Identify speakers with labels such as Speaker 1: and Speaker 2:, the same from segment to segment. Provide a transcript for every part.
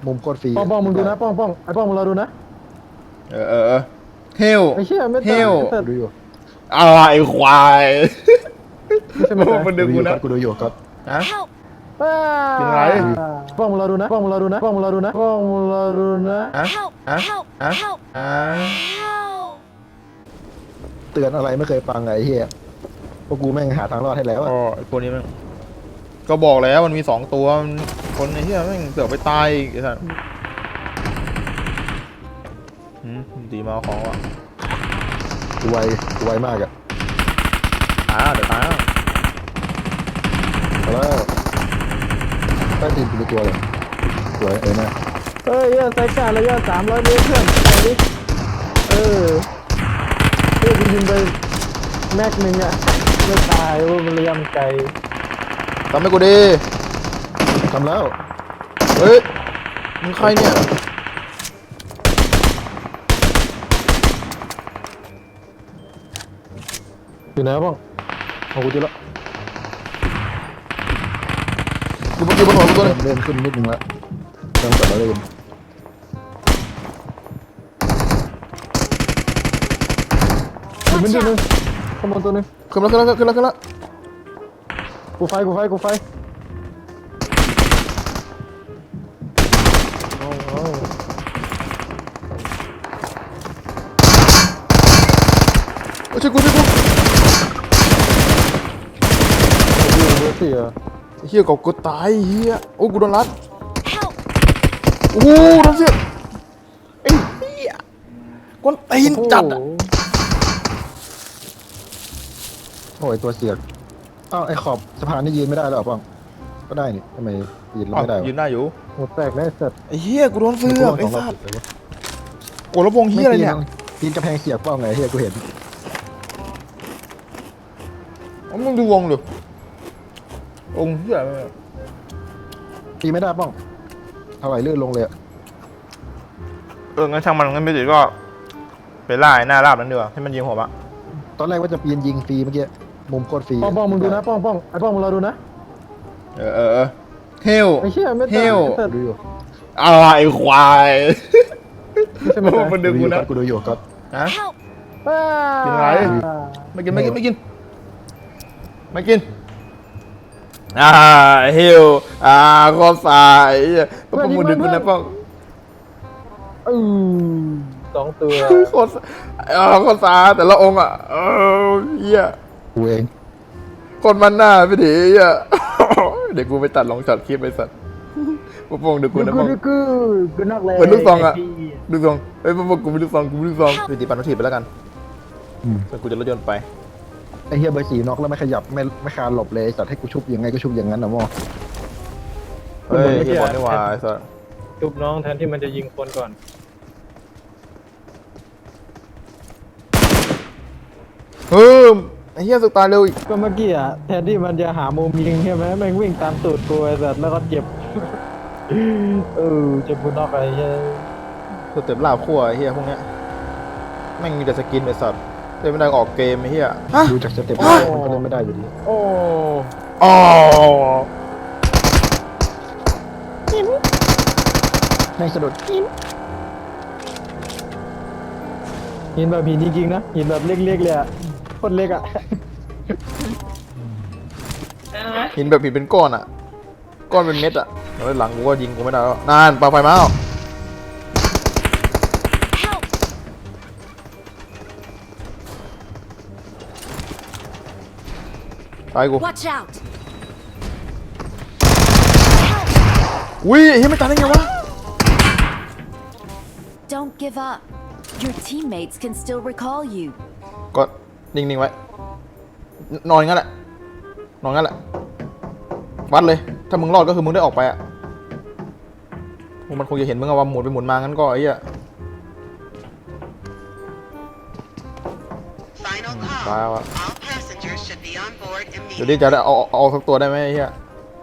Speaker 1: มุมโคตรฟรี
Speaker 2: ป้องมึงดูนะป้องไอ้ป้องมึงรอดูนะ
Speaker 3: เฮล
Speaker 2: ไอ้เชี่ยไม่
Speaker 3: เฮ
Speaker 2: ตาย
Speaker 3: ล
Speaker 2: แต่
Speaker 1: ดูอยู่
Speaker 3: ไอ้ควาย
Speaker 2: ไม่ใช่ไม่ตาย
Speaker 3: มันดึงกูนะ
Speaker 1: กูดูอยู่ก็
Speaker 3: ฮะ
Speaker 2: ป้า
Speaker 3: เป็นไร
Speaker 2: ป้องมึงรอดูนะป้องมึงรอดูนะป้องมึงรอดูนะป้องมึงรอดูนะ
Speaker 3: ฮะ
Speaker 4: Help!
Speaker 3: ฮะ
Speaker 4: Help!
Speaker 3: ฮะ
Speaker 4: Help!
Speaker 3: ฮะ
Speaker 4: Help!
Speaker 1: เตือนอะไรไม่เคยฟังไงไอ้เหี้ยพวกกูแม่งหาทางรอดให้แล้วอะ
Speaker 3: ไอ้ตัวนี้มันก็บอกแล้วมันมี2 ตัวมันคนไอ้เหี้ยแม่งเสือกไปตายอีกไอ้สัสดีมาเอาของว่ะ
Speaker 1: กูไวมากอะ
Speaker 3: เดี๋ยวตายแล้ว
Speaker 1: เอาแล้วใต้ตีนกูเป็นตัวเลยสวยนะ
Speaker 2: เฮ้ยไซก้าระยะ300 เมตรเพื่อนไปดิเฮ้ยกูยิงไปแม็กนึงอ่ะไม่ตายว่ามันระยะมันไกล
Speaker 3: ทำให้กูดี
Speaker 1: ทำแล้ว
Speaker 3: เฮ้ยมึงใครเนี่ย
Speaker 2: อยู่ไหนป้องเอากูเจอแล้ว
Speaker 3: อยู่บนหัวกูตัวนึง
Speaker 1: เริ่มขึ้นนิดนึงแล้วเริ่มกลับมาเริ่ม
Speaker 2: อยู่มัน
Speaker 4: Watch
Speaker 2: อยู่นึง
Speaker 4: out!
Speaker 2: ข้างบนตัวนึง
Speaker 3: ขึ้นแล้ว
Speaker 2: กูไฟเอา
Speaker 3: ช่วยกู
Speaker 2: เบอร์สี่อ่ะ
Speaker 3: เฮียกูตายเฮียโอ้กูโดนรัด
Speaker 4: Help!
Speaker 3: โอ้โหโดนเสียไอ้เฮียกวนตีนจัดอะ
Speaker 1: โอ้ยตัวเสียกอ้าวไอ้ขอบสะพานนี่ยืนไม่ได้แล้วเหรอป้องก็ได้นี่ทำไมยืนแล้วไม่ได้
Speaker 3: ยืนได้อยู่
Speaker 2: หมดแตกแน่สัตว์
Speaker 3: ไอ้เฮียกูโดนเสือกไอ้สัสโอ้แล้ววงเฮียอะไรเนี่ย
Speaker 1: ปีนกระแพงเสียกป้องไงเฮียกูเห็น
Speaker 3: มึงดูวงดิวงเฮียอะไรเนี่ย
Speaker 1: ตีไม่ได้ป้องเท่าไหร่ลื่นลงเลยอะ
Speaker 3: งั้นช่างมันงั้นไม่ติดก็ไปล่าไอ้หน้าราบนั้นดีกว่าให้มันยิงผมอะ
Speaker 1: ตอนแรกว่าจะปีนยิงฟรีเมื่อกี้มุมโคตรฟรี
Speaker 2: ป้องมึงดูนะป้องไอ้ป้องมึงรอดูนะ
Speaker 3: เฮล
Speaker 2: ไอ้เชี่ยไม่
Speaker 3: เฮ
Speaker 2: ตาย
Speaker 3: ล
Speaker 2: แต่
Speaker 1: ดูอยู่
Speaker 3: ไอ้ควาย
Speaker 2: ไม่ใช่ไม่ตาย
Speaker 3: มันดึงกูนะ
Speaker 1: กูดูอยู่ก็
Speaker 3: ฮะ
Speaker 4: Help!
Speaker 2: ป้า
Speaker 3: เป็นไร ไม่กินเฮลข้อสายป้องมึงดึงกูนะป้อง
Speaker 2: อือ2 ตัว
Speaker 3: ข้อสาแต่ละองค์อะเฮีย
Speaker 1: กูเอง
Speaker 3: คนมันหน้าไปดิอ่ะ เดี๋ยวกูไปตัดลองช็อตคลิปไปสัตว์พวกมึงดูกูนะพวก
Speaker 2: กูนอกเลย
Speaker 3: เหมือนลูกซองอ่ะลูกซองเฮ้ยพวกกูไม่ลูกซองกูไม่ลูกซองไปตีปันทีไปแล้วกันส่วนกูจะรถยนต์ไป
Speaker 1: ไอ้เฮียเบอร์สี่น็อกแล้วไม่ขยับไม่คานหลบเลยสัตว์ให้กูชุบยังไงก็ชุบอย่างนั้นนะมอ
Speaker 3: เฮ้ยเฮียบอลนี่หว่าไอ้สัตว์
Speaker 2: จุบน้องแทนที่มันจะยิงคนก่อน
Speaker 3: ไอ้เฮียสุดตายเร็วอีก
Speaker 2: ก็เมื่อกี้อ่ะแทนที่มันจะหามุมยิงใช่ไหมแม่งวิ่งตามตูดกูไอ้สัตว์แล้วก็เจ็บ เจ็บกูนอกไอ้เหี้ย
Speaker 3: สเต็ปลาบขั้วไอ้เฮียพวกเนี้ยแม่งมีแต่สกินไอ้สัตว์เล่นไม่ได้ก็ออกเกมไอ้เฮียฮะ
Speaker 1: ดูจากสเต็ปมันก็เล่นไม่ได้อยู่ดี
Speaker 2: โอ้
Speaker 3: อ๋อ
Speaker 1: แม่งสะดุด
Speaker 2: หินแบบหินจริงๆนะหินแบบเล็กๆเลยอ่ะโคตรเล็กอ่ะ
Speaker 3: หินแบบหินเป็นก้อนอ่ะก้อนเป็นเม็ดอ่ะแล้วหลังกูก็ยิงกูไม่ได้แล้วนานปาไฟมาแล้ว
Speaker 4: Help!
Speaker 3: ตายกู
Speaker 4: Watch out!
Speaker 3: อุ้ยเฮ้ยไม่ตายได้ไงวะ
Speaker 4: Don't give up. Your teammates can still recall you.
Speaker 3: ก็นิ่งๆไว้นอนงั้นแหละวัดเลยถ้ามึงรอดก็คือมึงได้ออกไปอะพวกมันคงจะเห็นมึงอะว่าหมุนไปหมุนมางั้นก็ไอ้เหี้ย
Speaker 5: Final call.
Speaker 3: Wow.
Speaker 5: All passengers should be on board
Speaker 3: เดี๋ยว
Speaker 5: immediately.
Speaker 3: ดิจะได้เอาสักตัวได้ไหมไอ้เหี้ย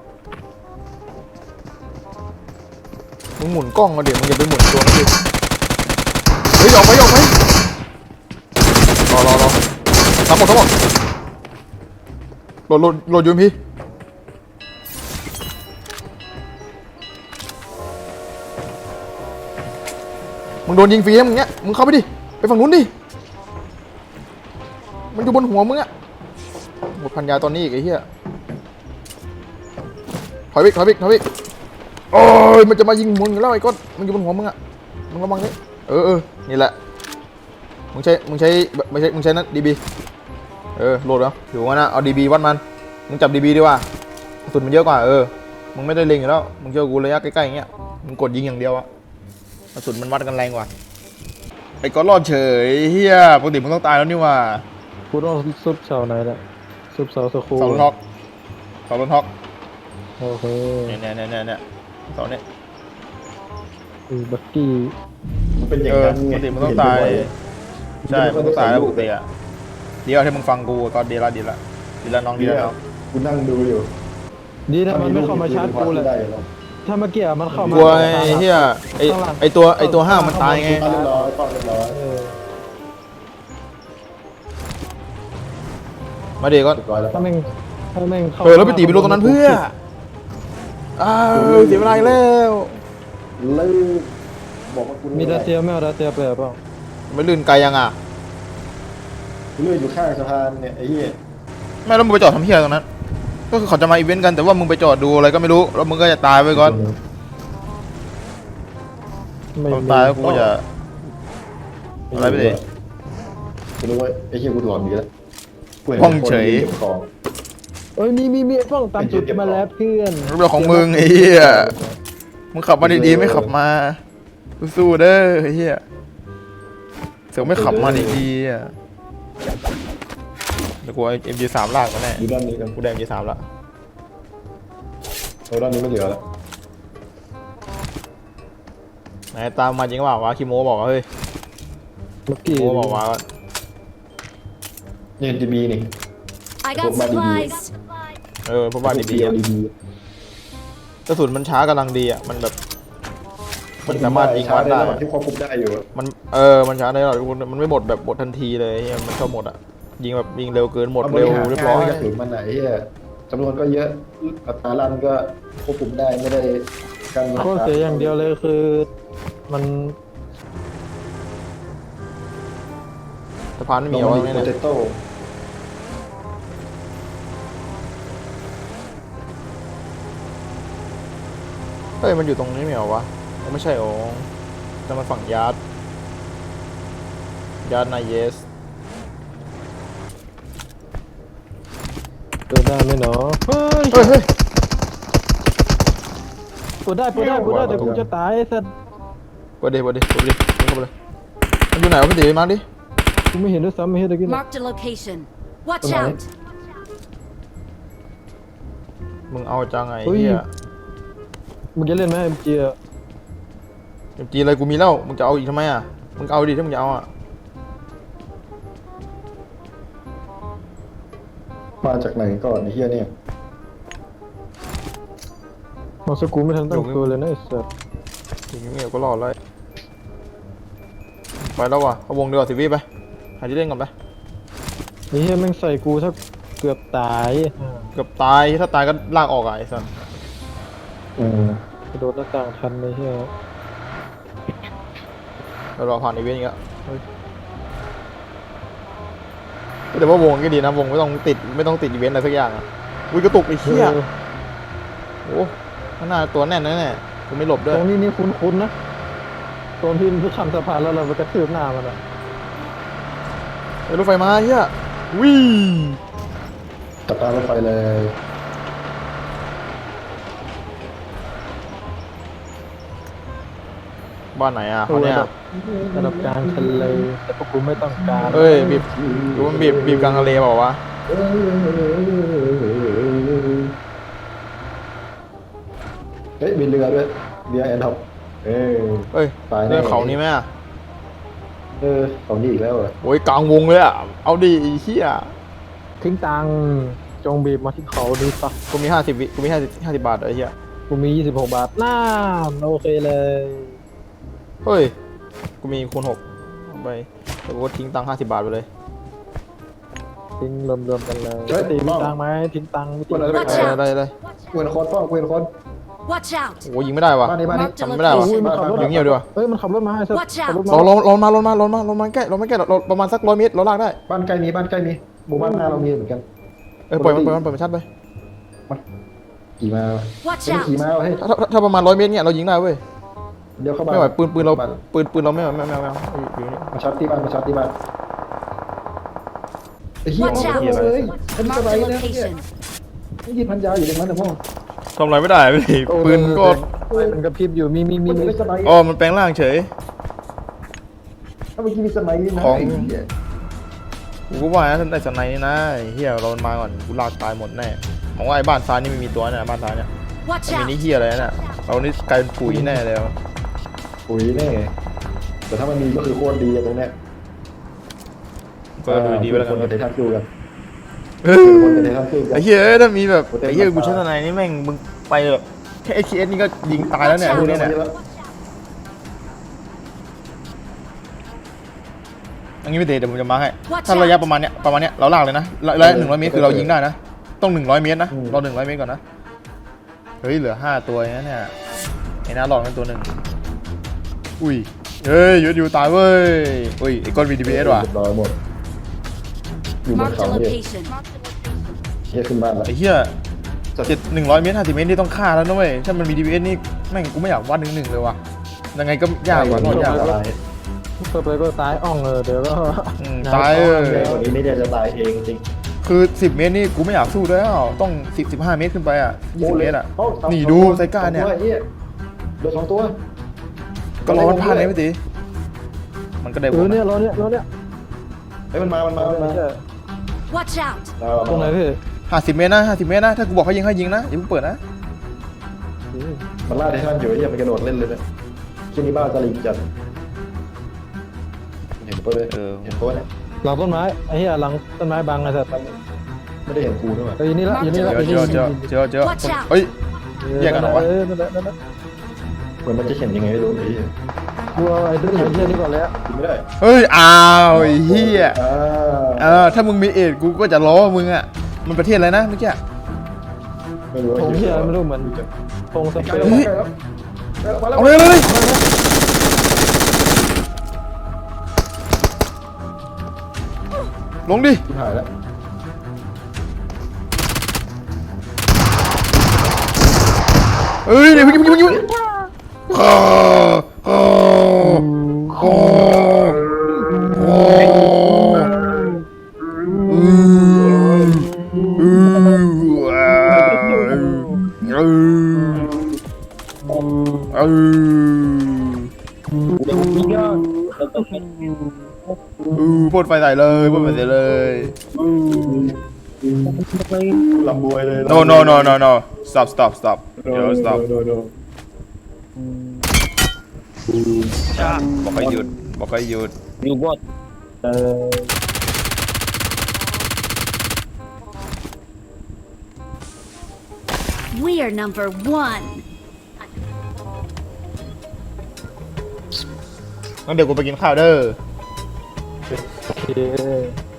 Speaker 3: มึงหมุนกล้องมาเดี๋ยวมึงอย่าไปหมุนตัวนั่นดิเฮ้ยออกไปรอทั้งหมดโหลดยูมพีมึงโดนยิงฟรีนะมึงเนี้ยมึงเข้าไปดิไปฝั่งนู้นดิมันอยู่บนหัวมึงอะหมดพันยาตอนนี้อีกไอ้เหี้ยถอยวิกโอ้ยมันจะมายิงมึงแล้วไอ้ก้อนมันอยู่บนหัวมึงอะมึงระวังดินี่แหละมึงใช้นั่นดีบีโหลดแล้วอยู่ว่านะเอาดีบีวัดมันมึงจับดีบีดีกว่ากระสุนมันเยอะกว่ามึงไม่ได้เล็งอยู่แล้วมึงเจอกูระยะใกล้ๆอย่างเงี้ยมึงกดยิงอย่างเดียวอะกระสุนมันวัดกันแรงกว่าไอ้ก้อนรอดเฉยเฮียปกติมึงต้องตายแล้วนี่ว่า
Speaker 2: กูต้องซุบเสาไหนล่ะซุบเสาสกู
Speaker 3: เสาลนฮอก
Speaker 2: โอเค
Speaker 3: เนี่ยเสาเนี่ย
Speaker 2: บักกี้
Speaker 1: มันเป็นอย่างนั้น
Speaker 3: ป
Speaker 1: ไง
Speaker 3: กติมึงต้องตายใช่มึงต้องตายแล้วปกติอะเดี๋ยวที่มึงฟังกูก็ดีละน้อง
Speaker 1: กูนั่งดูอยู่
Speaker 2: ดีนะมันไม่เข้ามาชาร์จกูเลยถ้าเมื่อกี้มันเข้ามาก
Speaker 3: ลัวไอ้เหี้ยไอตัวห้ามันตายไง
Speaker 1: เรียบร้อยป้องเรียบร้อย
Speaker 3: มาเดี๋ยวก็
Speaker 1: เรียบร้อยแล้ว
Speaker 2: ถ้าแม่งเข้า
Speaker 3: แล้วไปตีไปลงตรงนั้นเพื่อเสียเวลาอีกแล้ว
Speaker 1: เลิกบอกว่ากู
Speaker 2: มีดาเซียไม่เอาดาเซียไปเปล่า
Speaker 3: ไม่ลื่นไกลยังอ่ะ
Speaker 1: เลื่อยอยู่ข้างสะพานเนี่ยไอ้เหี้ย
Speaker 3: ไม่แล้วมึงไปจอดทำเหี้ยตรงนั้นก็คือเขาจะมาอีเวนต์กันแต่ว่ามึงไปจอดดูอะไรก็ไม่รู้แล้วมึงก็จะตายไปก่อน
Speaker 2: ไม่
Speaker 3: ต้อง
Speaker 2: มี
Speaker 3: ตายแล้วกูจะอะไรไปดิ
Speaker 1: กูรู้ว่าไอ้เหี้ยกูหลอนอยู่แล้ว
Speaker 3: ห้องเฉย
Speaker 1: ของ
Speaker 2: เอ้ยมีป้องตามจุดมาแล้วเพื่อน
Speaker 3: เรื่องของมึงไอ้เหี้ยมึงขับมาดีๆไม่ขับมาสู้ๆเด้อไอ้เหี้ยเสือกไม่ขับมาดีๆอ่ะเดี๋ยวกูเอา MG3 ลากมาแน่
Speaker 1: อยู่ด้านนี้กัน
Speaker 3: กูได้ MG3 ละ
Speaker 1: ด้านนี้ไม่เหลือแล้ว
Speaker 3: ไหนตามมาจริงเปล่าวะคิโมบอกว่าเฮ้ย
Speaker 2: บักกี้
Speaker 3: คิโมบอกว่า
Speaker 1: เนี่ยจะมีนี่
Speaker 4: I got supplies.
Speaker 3: พวกบ้านดีๆอะ
Speaker 1: ดี
Speaker 3: กระสุนมันช้ากำลังดีอ่ะมันแบบมันสามารถยิงวัดได้
Speaker 1: ที่ควบคุมได้อยู่
Speaker 3: มันช้าได้หรอกมันไม่หมดแบบหมดทันทีเลยเหี้ยมันชอบหมดอ่ะยิงแบบยิงเร็วเกินหมดเร็วเรียบร้อย
Speaker 1: กระสุนมันไหนเหี้ยจำนวนก็เยอะอัตราลั่นก็ควบคุมได้ไม่ได้การ
Speaker 2: ข้อเสียอย่างเดียวเลยคือมัน
Speaker 3: สะพานไม่มี
Speaker 1: เอา
Speaker 3: เอา
Speaker 1: ไว้
Speaker 3: ไว้
Speaker 1: โป
Speaker 3: เนี่ย
Speaker 1: เตโต้
Speaker 3: เฮ้ยมันอยู่ตรงนี้ไม่เหรอวะไม่ใช่อ๋อแต่มันฝั่งยาร์ดนายเยส
Speaker 2: เปิดได้ไหมเนาะเฮ้ย
Speaker 3: เฮ้ย
Speaker 2: เปิดได้เดี๋ยวกูจะตายไอ้สัส
Speaker 3: เปิดดิเข้าไปเลยมันอยู่ไหนวะพี่ตีมาดิ
Speaker 2: กูไม่เห็นด้วยซ้ำไม่เห็นตะกี้นะ
Speaker 4: Marked a location. Watch out.
Speaker 3: มึงเอาจังไงเฮีย
Speaker 2: มึงจะเล่นไหมเอ็มจี
Speaker 3: จีอะไรกูมีแล้วมึงจะเอาอีกทำไมอ่ะมึงเอาดิถ้ามึงจะเอาอ่ะ
Speaker 1: มาจากไหนก่อนไอ้เหี้ยเนี่ย
Speaker 2: มองสกูไม่ทันตั้งตัวเลยนะไอ้สัส
Speaker 3: อย่างเงี้ยก็รอดเลยไปแล้วว่ะเขาวงเดียวสิวิไปหาที่เล่นก่อนไป
Speaker 2: ไอ้เหี้ยแม่งใส่กูถ้าเกือบตาย
Speaker 3: เกือบตายถ้าตายก็ลากออกอ่ะไอ้สัส
Speaker 2: กระโดดหน้าต่างทันไอ้เหี้ย
Speaker 3: เรารอผ่านอีเวนต์อีกแล้วแต่ว่าวงก็ดีนะวงไม่ต้องติดอีเวนต์อะไรสักอย่างอ่ะอุ้ยกระตุกไอ้เหี้ยโอ้ข้างหน้าตัวแน่นแน่ๆกูไม่หลบด้วย
Speaker 2: ตรงนี้นี่คุ้นๆนะตรงที่มันข้ามสะพานแล้วเราไปกระทืบหน้ามันอ่ะ
Speaker 3: ไอ้รถไฟมาเหี้ยวิ่ง
Speaker 1: ตัดตารถไฟเลย
Speaker 3: บ้านไหนอ่ะเขาเนี่ย
Speaker 2: ระดับกลางทะเลแต่พวกกูไม่ต้องการ
Speaker 3: เอ้ยดูมันบีบกลางทะเลเปล่าวะ
Speaker 1: เฮ้ยมีเรือด้วยเรือแอนท็อป
Speaker 3: เอ้ย
Speaker 1: ตายแน่
Speaker 3: เรื่องเขานี่ไหมอ่ะ
Speaker 1: เขานี่อีกแล้วเหรอ
Speaker 3: โอ้ยกลางวงเลยอ่ะเอาดิไอ้เหี้ย
Speaker 2: ทิ้งตังค์จงบีบมาที่เขาดีปะ
Speaker 3: กูมี50 วิกูมี50บาทไอ้เหี้ย
Speaker 2: กูมี26 บาทน่าโอเคเลย
Speaker 3: เฮ้ยกูมีคูณ6เอาไปแต่กูก็ทิ้งตังค์50 บาทไปเลย
Speaker 2: ทิ้งรวมๆกันเลยตีมีตังค์ไหมทิ้งตังค์ไม่ทิ้ง
Speaker 3: ได้
Speaker 4: Watch out.
Speaker 3: ได้
Speaker 1: เกวนคนป้องเกวนคน
Speaker 4: Watch out!
Speaker 3: โอ้ยิงไม่ได้ว่ะ
Speaker 1: บ้านนี้บ้านนี้
Speaker 3: ทำไม่ได้ว่ะ
Speaker 2: อุ้ยมันขับรถ
Speaker 3: เดี๋ยวเงียบดีกว่า
Speaker 2: เอ้ยมันขับรถมาให้เสร็จ
Speaker 4: Watch out
Speaker 2: ขับรถ
Speaker 3: ลงมาใกล้เราประมาณสัก100 เมตรเราลากได้
Speaker 1: บ้านใกล้มีบ้านใกล้มีหมู่บ้านหน้าเรามีเหมือนกัน
Speaker 3: ปล่อยมันชัดไป
Speaker 1: ขี่มา
Speaker 4: Watch
Speaker 1: ไม่ได้ขี่
Speaker 4: out!
Speaker 1: มาเฮ้ย
Speaker 3: ถ้าประมาณ100 เมตรเนี่ยเรายิงได้เว้ย
Speaker 1: เดี๋ยวเข้าบ้าน
Speaker 3: ไม่ไหวปืนเรา
Speaker 1: บ้าน
Speaker 3: ปืนเราไม่อยู่นี่
Speaker 1: มาช็อตที่บ้านมาช็อตที่บ้านไอ้เหี้ย
Speaker 4: Watch
Speaker 1: เอา
Speaker 4: out
Speaker 1: เลยเป็นส
Speaker 4: Mark
Speaker 1: ไล
Speaker 4: the
Speaker 1: ด์นะเนี่ย
Speaker 4: location.
Speaker 1: นี่ยิงพันยาวอยู่ตรงนั้นนะพ่อ
Speaker 3: ทำอะไรไม่ได้เว้ยปืนก็
Speaker 2: มันกระพริบอยู่มี
Speaker 1: มันเป็นสไลด์
Speaker 3: อ๋อมันแปลงร่างเฉย
Speaker 1: ถ้าเมื่อกี้มีสไลด์นะ
Speaker 3: ของ
Speaker 1: ไอ้เหี้ย
Speaker 3: กูก็ว่านะท่านได้สไนนี่นะเฮียเรามาก่อนกูลากตายหมดแน่มองว่าไอ้บ้านซ้ายนี่ไม่มีตัวเนี่ยบ้านซ้ายเนี่ย
Speaker 4: Watch
Speaker 3: มันมี
Speaker 4: out!
Speaker 3: นี่เฮียอะไรเนี่ยเรานี่กลายเป็นปุ๋ยแน่เลย
Speaker 1: ปุ๋ยแน่แต่ถ้ามันมีก็คือโคตรดีอะตรงเนี้ย
Speaker 3: ก็ดูดีไปแล้ว
Speaker 1: คน
Speaker 3: กั
Speaker 1: กัน บเดทันจูกัน
Speaker 3: เอ
Speaker 1: คนกับ
Speaker 3: อ
Speaker 1: เดทันจูกัน
Speaker 3: ไอ้เฮียถ้ามีแบบไอ้เฮียกูใช้สไนนี่แม่งมึงไปแบบแค่ ATS นี่ก็ยิงตายแล้วเนี่ยพวกนี้เนี่ยอันนี้ไม่เตะเดี๋ยวผมจะมาให้ถ้าระยะประมาณเนี้ยเราลากเลยนะระยะ100 เมตรคือเรายิงได้นะต้อง100 เมตรนะรอ100 เมตรก่อนนะเฮ้ยเหลือ5 ตัวเนี่ยไอ้น้าหลอกมันตัวหนึ่งอุ้ยเฮ้ยอยู่ตายเว้ยอุ้ยไอ้ก้อน VDPS ว่ะ
Speaker 1: เรียบร้อยหมดอยู่บน
Speaker 4: Mark
Speaker 1: เขา
Speaker 4: the
Speaker 1: เนี่ย
Speaker 4: location.
Speaker 1: เฮียขึ้นบ้านแล้ว
Speaker 3: ไอ้เหี้ย100 เมตร50 เมตรนี่ต้องฆ่าแล้วนะเว้ยถ้ามัน VDPS นี่แม่งกูไม่อยากวัด1-1เลยว่ะยังไงก็ยากกว่ารอดยากกว่า
Speaker 2: เปิดไปก็ตายอ่องเดี๋ยวก็
Speaker 3: ตาย
Speaker 1: วันนี้ไม่ได้จะตายเองจริง
Speaker 3: คือ10 เมตรนี่กูไม่อยากสู้แล้วต้อง15 เมตรขึ้นไปอ่ะ20 เมตรอ่ะนี่ดูไซก้าเนี่ย
Speaker 1: เหลือ2 ตัว
Speaker 3: ก็รอมันพลาดเลยพี่ตีมันก็ได้
Speaker 2: เนี่ยรอเนี่ย
Speaker 1: เฮ้ยมันมา
Speaker 4: Watch out!
Speaker 2: ตรงไหนพี่
Speaker 3: 50 เมตรนะ50 เมตรนะถ้ากูบอกให้ยิงนะอย่าเพิ่งเปิดนะ
Speaker 1: มันล่าไททันอยู่ไอ้เหี้ยมันกระโดดเล่นเลยนะที่นี่บ้านสลิงจัดเห็นปะเลยเห็นปะเนี่ย
Speaker 2: หลังต้นไม้ไอ้เหี้ยหลังต้นไม้บังไอ้สัตว์
Speaker 1: ไม่ได้เห็นกูด้วย
Speaker 2: อยู่นี่ละอยู่นี่ละ
Speaker 3: เจอเฮ้ย แยกกันเหรอวะ
Speaker 2: นั่นแหละ
Speaker 1: เหมือนมันจะเห็นยังไงไม่รู้ไอ้เหี้ย
Speaker 2: ดูไอ้เหี้ยนี่ก่อนแล้ว
Speaker 1: กินไม่ได้
Speaker 3: เฮ้ยอ้าวไอ้เหี้ย
Speaker 1: อ่า
Speaker 3: ถ้ามึงมีเอ็ดกูก็จะล้อมึงอ่ะมันประเทศอะไรนะเมื่อกี้
Speaker 1: ไม่รู้
Speaker 2: ธงเหี้ยไม่รู้เหมือนธงสเป
Speaker 1: ใกล้
Speaker 2: น
Speaker 1: แล้วมาแล้ว
Speaker 3: เอาเลยลงดิ
Speaker 1: ชิบหายแล้ว
Speaker 3: เอ้ยเดี๋ยวยิงพ่นไฟใส่เลยพ่นไฟใส่เลย
Speaker 1: ลำบวยเลย
Speaker 3: no stop stop stop stop บอกให้หยุด
Speaker 2: อยู่บด
Speaker 4: We are number 1.
Speaker 3: งั้นเดี๋ยวกูไปกินข้าวเด้อ
Speaker 2: โอเค